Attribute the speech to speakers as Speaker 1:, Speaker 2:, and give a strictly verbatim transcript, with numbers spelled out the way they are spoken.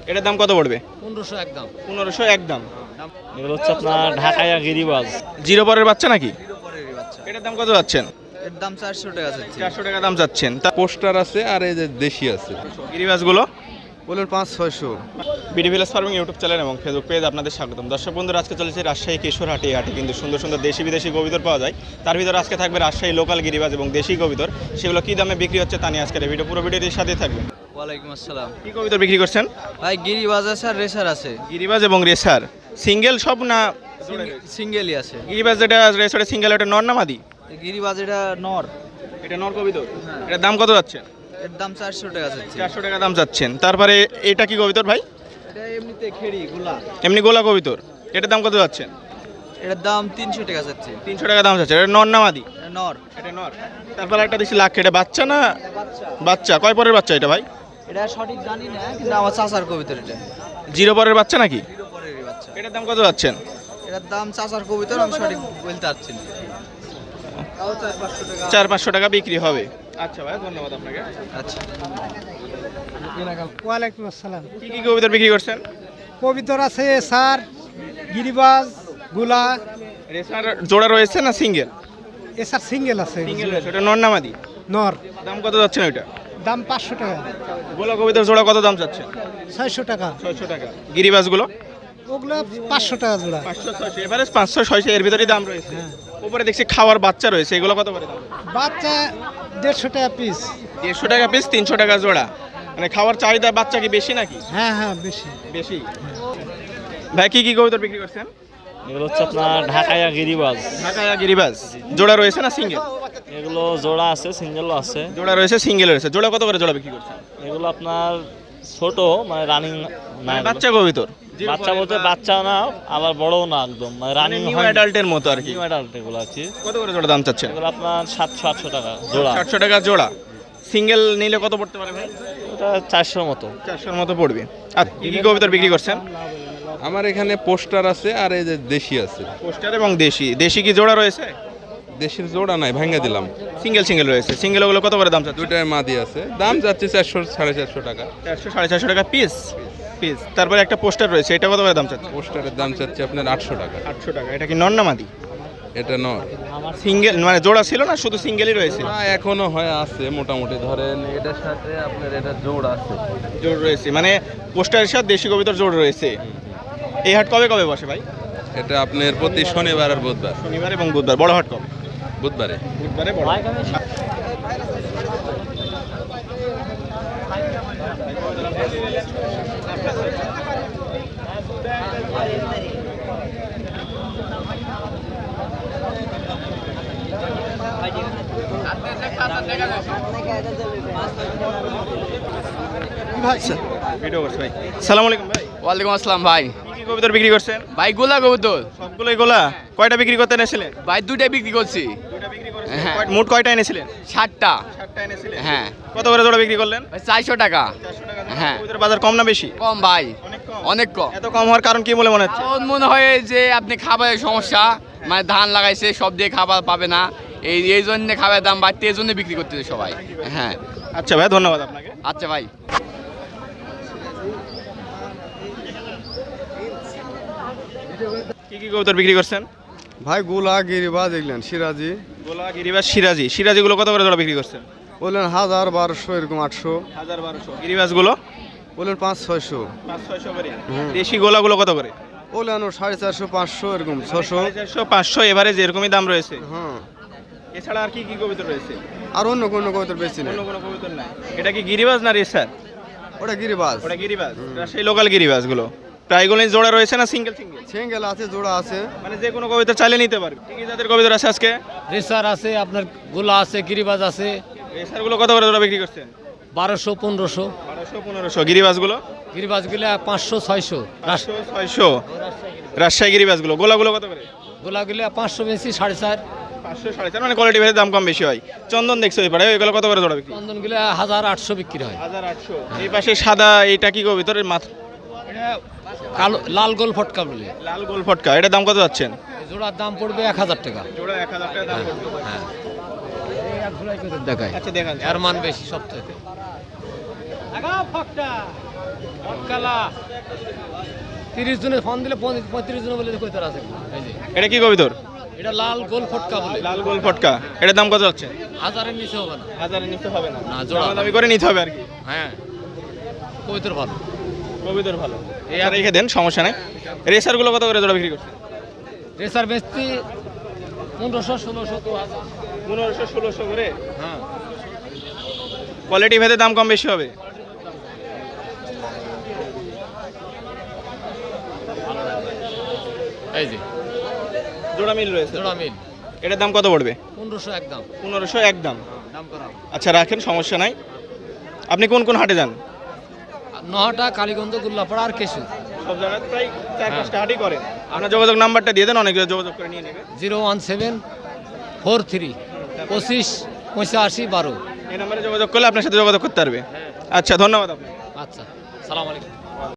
Speaker 1: এটার দাম কত পড়বে?
Speaker 2: পনেরোশো একদম।
Speaker 1: পনেরোশো একদম।
Speaker 3: এগুলো হচ্ছে আপনার ঢাকায়া গিরিবাজ।
Speaker 1: জিরো পরের বাচ্চা নাকি?
Speaker 2: জিরো পরেরই বাচ্চা।
Speaker 1: এটার দাম কত যাচ্ছেন?
Speaker 2: এর দাম চারশো টাকা চাচ্ছি।
Speaker 1: চারশো টাকা দাম যাচ্ছেন। তা
Speaker 4: পোস্টার আছে আর এই যে দেশি আছে।
Speaker 1: গিরিবাজগুলো
Speaker 4: বলুন পাঁচ ছয়শো।
Speaker 1: BD village farming YouTube channel এবং ফেসবুক পেজ আপনাদের স্বাগতম। দর্শক বন্ধুরা, আজকে চলেছে রাজশাহী কিশোর হাটে। হাটে কিন্তু সুন্দর সুন্দর দেশি বিদেশি কবিতর পাওয়া যায়। তার ভিতরে আজকে থাকবে রাজশাহী লোকাল গিরিবাজ এবং দেশি কবিতর। সেগুলো কী দামে বিক্রি হচ্ছে তা নিয়ে আজকের এই ভিডিও, পুরো ভিডিওটির সাথেই থাকবে।
Speaker 2: ওয়ালাইকুম আসসালাম।
Speaker 1: কী কবিতর বিক্রি করছেন?
Speaker 2: ভাই গিরিবাজ আছে আর রেসার আছে।
Speaker 1: গিরিবাজ এবং রেসার সিঙ্গেল সব না?
Speaker 2: সিঙ্গেলই আছে।
Speaker 1: গিরিবাজ যেটা রেসারে সিঙ্গেল, ওটা নর না মাদি?
Speaker 2: গিরিবাজ এটা নর।
Speaker 1: এটা নর কবিতর। এটার দাম কত যাচ্ছে?
Speaker 2: এর দাম চারশো টাকা চাচ্ছি।
Speaker 1: চারশো টাকা দাম যাচ্ছেন। তারপরে এটা কি কবিতর ভাই?
Speaker 2: এটা এমনিতে খেড়ি গুলা।
Speaker 1: এমনি গোলা কবিতর। এটার দাম কত যাচ্ছেন?
Speaker 2: এটার দাম তিনশো টাকা চাচ্ছি।
Speaker 1: তিনশো টাকা দাম যাচ্ছে। এটা নর না মাদি?
Speaker 2: এটা নর।
Speaker 1: এটা নর। তারপরে একটা দেখছি লাখ, এটা বাচ্চা না?
Speaker 2: বাচ্চা।
Speaker 1: বাচ্চা কয় পরের বাচ্চা এটা ভাই?
Speaker 2: এটা সঠিক জানি না, কিন্তু আমার চাচার কবিতর এটা।
Speaker 1: জিরো পরের বাচ্চা নাকি?
Speaker 2: জিরো পরেরই বাচ্চা।
Speaker 1: এটার দাম কত যাচ্ছেন?
Speaker 2: এটার দাম চাচার কবিতর, আমি সঠিক বলতে পারছি না। তাও চার পাঁচশো টাকা।
Speaker 1: চার পাঁচশো টাকা বিক্রি হবে। আচ্ছা ভাই, ধন্যবাদ আপনাকে।
Speaker 2: আচ্ছা।
Speaker 5: ওয়ালাইকুম আসসালাম।
Speaker 1: কি কি কবিতর বিক্রি করছেন?
Speaker 5: কবিতর আছে সার, গিরিবাজ, গুলা।
Speaker 1: রেসার জোড়া রয়েছে না সিঙ্গেল?
Speaker 5: এসার সিঙ্গেল আছে।
Speaker 1: সিঙ্গেল রয়েছে। ওটা নর না মাদি?
Speaker 5: নর।
Speaker 1: দাম কত যাচ্ছেন ওইটা?
Speaker 5: দাম পাঁচশো টাকা।
Speaker 1: গোলা কবিতর জোড়া কত দাম যাচ্ছে?
Speaker 5: ছয়শো টাকা।
Speaker 1: ছয়শো টাকা। গিরিবাজগুলো?
Speaker 5: ওগুলো পাঁচশো টাকা জোড়া।
Speaker 1: পাঁচশো ছয়শো, এভারেজ পাঁচশো ছয়শো এর ভিতরেই দাম রয়েছে। উপরে দেখছি খাওয়ার বাচ্চা রয়েছে, এগুলো কত করে দাম?
Speaker 5: বাচ্চা দেড়শো টাকা পিস।
Speaker 1: দেড়শো টাকা পিস, তিনশো টাকা জোড়া। মানে খাওয়ার চাহিদা বাচ্চা কি বেশি নাকি?
Speaker 5: হ্যাঁ হ্যাঁ বেশি
Speaker 1: বেশি। ভাই কি কি কবিতর বিক্রি করছেন?
Speaker 3: এগুলো হচ্ছে আপনার ঢাকায়া গিরিবাজ।
Speaker 1: ঢাকায়া গিরিবাজ। জোড়া রয়েছে না সিঙ্গেল?
Speaker 3: এগুলো জোড়া আছে, সিঙ্গেলও আছে।
Speaker 1: জোড়া রয়েছে, সিঙ্গেল রয়েছে। জোড়া কত করে জোড়া বিক্রি করছেন?
Speaker 3: এগুলো আপনার ছোট, মানে রানিং না।
Speaker 1: মানে
Speaker 3: এগুলো।
Speaker 1: বাচ্চা কবিতর?
Speaker 3: বাচ্চা বলতে বাচ্চা না, আবার বড়ও না, একদম মানে রানিং
Speaker 1: নিউ অ্যাডাল্টের মতো আর কি।
Speaker 3: নিউ অ্যাডাল্ট এগুলো আর কি।
Speaker 1: কত করে জোড়া দাম চাচ্ছেন?
Speaker 3: এগুলো আপনার সাতশো আটশো টাকা জোড়া।
Speaker 1: সাতশো টাকা জোড়া। সিঙ্গেল নিলে কত পড়তে পারে ভাই?
Speaker 3: ওটা চারশোর মতো।
Speaker 1: চারশোর মতো পড়বে। আর কি কি কবিতর বিক্রি করছেন?
Speaker 4: আমার এখানে পোস্টার আছে আর এই যে দেশি আছে।
Speaker 1: পোস্টার এবং দেশি। দেশি কি জোড়া রয়েছে?
Speaker 4: দেশির জোড়া নাই, ভাঙ্গা দিলাম।
Speaker 1: সিঙ্গেল সিঙ্গেল রয়েছে। সিঙ্গেল ওগুলো কত করে দাম চাচ্ছেন?
Speaker 4: দুইটার মাদি আছে, দাম যাচ্ছে চারশো সাড়ে চারশো টাকা।
Speaker 1: চারশো সাড়ে চারশো টাকা পিস পিস। তারপরে একটা পোস্টার রয়েছে, এটা কত করে দাম চাচ্ছেন?
Speaker 4: পোস্টারের দাম চাচ্ছে আপনার আটশো টাকা।
Speaker 1: আটশো টাকা। এটা কি নর না মাদি?
Speaker 4: এটা নর।
Speaker 1: সিঙ্গেল মানে জোড়া ছিল না, শুধু সিঙ্গেলই রয়েছে?
Speaker 4: না, এখনো হয় আছে মোটামুটি, ধরেন এটার সাথে আপনার এটা জোড় আছে।
Speaker 1: জোড় রয়েছে, মানে পোস্টারের সাথে দেশি কবিতর জোড় রয়েছে। এই হাট কবে কবে বসে ভাই?
Speaker 4: এটা আপনার প্রতি শনিবার আর বুধবার।
Speaker 1: শনিবার এবং বুধবার। বড় হাট কবে?
Speaker 4: বুধবারে।
Speaker 1: বুধবারে বড়। ভিডিও করছে ভাই। সালাম আলাইকুম ভাই।
Speaker 6: ওয়ালাইকুম আসসালাম ভাই।
Speaker 1: কি কি কবিতর বিক্রি করছেন?
Speaker 6: ভাই গোলা কবুতর
Speaker 1: সবগুলোই গোলা? কয়টা বিক্রি করতে এনেছিলেন?
Speaker 6: ভাই দুইটাই বিক্রি করছি।
Speaker 1: দুইটা বিক্রি করেছেন।
Speaker 6: হ্যাঁ।
Speaker 1: কয়- মোট কয়টা এনেছিলেন?
Speaker 6: ষাটটা।
Speaker 1: সাতটা এনেছিলেন।
Speaker 6: হ্যাঁ।
Speaker 1: কত করে জোড়া বিক্রি করলেন?
Speaker 6: ভাই চারশো টাকা।
Speaker 1: চারশো টাকা জোড়া।
Speaker 6: হ্যাঁ।
Speaker 1: কবিতরের বাজার কম না বেশি?
Speaker 6: কম ভাই,
Speaker 1: অনেক কম।
Speaker 6: অনেক কম।
Speaker 1: এত কম হওয়ার কারণ কি বলে মনে হচ্ছে?
Speaker 6: এখন মনে হয় যে আপনি খাবারের সমস্যা, মানে ধান লাগাইছে সব দিয়ে খাবার পাবে না, এই এই জন্য খাবারের দাম বাড়তে, এই জন্য বিক্রি করতেছে সবাই। হ্যাঁ।
Speaker 1: আচ্ছা ভাই, ধন্যবাদ আপনাকে।
Speaker 6: আচ্ছা ভাই।
Speaker 1: কি কি কবুতর বিক্রি করছেন?
Speaker 7: ভাই গোলা গিরিবাজ এগুলেন সিরাজি
Speaker 1: গোলা গিরিবাজ সিরাজি। সিরাজিগুলো কত করে জোড়া বিক্রি করছেন?
Speaker 7: বললেন হাজার বারোশো এরকম আটশো।
Speaker 1: হাজার বারোশো। গিরিবাজগুলো?
Speaker 7: বললেন পাঁচ ছয়শো।
Speaker 1: পাঁচ ছয়শো করে। দেশি গোলাগুলো কত করে?
Speaker 7: বললেন ও সাড়ে চারশো পাঁচশো এরকম ছশো।
Speaker 1: সাড়ে চারশো পাঁচশো এভারেজ এরকমই দাম রয়েছে।
Speaker 7: হ্যাঁ,
Speaker 1: এছাড়া আর কি কি কবুতর রয়েছে?
Speaker 7: আর অন্য কোনো কবুতর বেশি নেই।
Speaker 1: অন্য কোনো কবুতর নাই। এটা কি গিরিবাজ না রেসার?
Speaker 7: ওটা গিরিবাজ।
Speaker 1: ওটা গিরিবাজ। সেই লোকাল গিরিবাজগুলো প্রায়গুলোই জোড়া রয়েছে না সিঙ্গেল সিঙ্গেল?
Speaker 7: সিঙ্গেল আছে, জোড়া আছে।
Speaker 1: মানে যে কোনো কবিতা চাইলে নিতে পারবে। কি কি জাতের কবিতর আছে আজকে?
Speaker 2: রেসার আছে, আপনার গোলা আছে, গিরিবাজ আছে।
Speaker 1: রেসারগুলো কত করে জোড়া বিক্রি করছেন?
Speaker 2: বারোশো পনেরোশো।
Speaker 1: বারোশো পনেরোশো। গিরিবাজগুলো?
Speaker 2: গিরিবাজ গুলো পাঁচশো ছয়শো।
Speaker 1: পাঁচশো ছয়শো। রাজশাহী গিরিবাজগুলো। গোলাগুলো কত করে?
Speaker 2: গোলা গুলো পাঁচশো বেশি, সাড়ে চার।
Speaker 1: পাঁচশো সাড়ে চার। মানে কোয়ালিটি ভেদে দাম কম বেশি হয়। চন্দন দেখছো ওই পাড়ে, ওইগুলো কত করে জোড়া বিক্রি?
Speaker 2: চন্দন গুলো হাজার আটশো বিক্রি হয়।
Speaker 1: হাজার আটশো। এই পাশে সাদা, এটা কি কবিতরের মাথা?
Speaker 2: কালো লাল গোল ফটকা বলে।
Speaker 1: লাল গোল ফটকা। এটার দাম কত যাচ্ছেন?
Speaker 2: জোড়ার দাম পড়বে এক হাজার টাকা।
Speaker 1: জোড়া এক হাজার টাকা দাম পড়বে।
Speaker 2: হ্যাঁ। দেখায়
Speaker 1: আচ্ছা দেখান।
Speaker 2: এর মান বেশি সব থেকে।
Speaker 8: তিরিশ জনের ফোন দিলে পঁয়ত্রিশ জন বলে কইতার আছে এই যে
Speaker 1: এটা কি কবিতর?
Speaker 8: এটা লাল গোল ফটকা বলে
Speaker 1: লাল গোল ফটকা। এটার দাম কত যাচ্ছে?
Speaker 8: হাজারের নিচে হবে না।
Speaker 1: হাজারের নিচে হবে না,
Speaker 8: না, জোড়া।
Speaker 1: দামি করে নিতে হবে আর কি।
Speaker 8: হ্যাঁ কবিতর ভালো।
Speaker 1: কবিতর ভালো, এই আর রেখে দেন, সমস্যা নাই। রেসারগুলো কত করে জোড়া বিক্রি করছে?
Speaker 8: রেসার বেচতি পনেরোশো ষোলোশো দু হাজার।
Speaker 1: পনেরোশো ষোলোশো করে।
Speaker 8: হ্যাঁ
Speaker 1: কোয়ালিটি ভেদে দাম কম বেশি হবে।
Speaker 8: এই যে
Speaker 1: জোড়া মিল রয়েছে।
Speaker 8: জোড়া মিল
Speaker 1: এটার দাম কত পড়বে?
Speaker 8: পনেরোশো একদম।
Speaker 1: পনেরোশো একদম।
Speaker 8: দাম করা
Speaker 1: আচ্ছা রাখেন, সমস্যা নাই। আপনি কোন কোন হাটে যান?
Speaker 8: নহটা কালীগঞ্জ গুল্লাপাড়া আর কেশু।
Speaker 1: সব জায়গায় প্রায় চার পাঁচটা হাটই করেন। আপনার যোগাযোগ নাম্বারটা দিয়ে দেন, অনেক যোগাযোগ করে নিয়ে নেবে।
Speaker 8: Zero one seven four three পঁচিশ পঁচাশি বারো।
Speaker 1: এই নাম্বারে যোগাযোগ করলে আপনার সাথে যোগাযোগ করতে পারবে। আচ্ছা ধন্যবাদ আপনাকে।
Speaker 8: আচ্ছা সালাম আলাইকুম।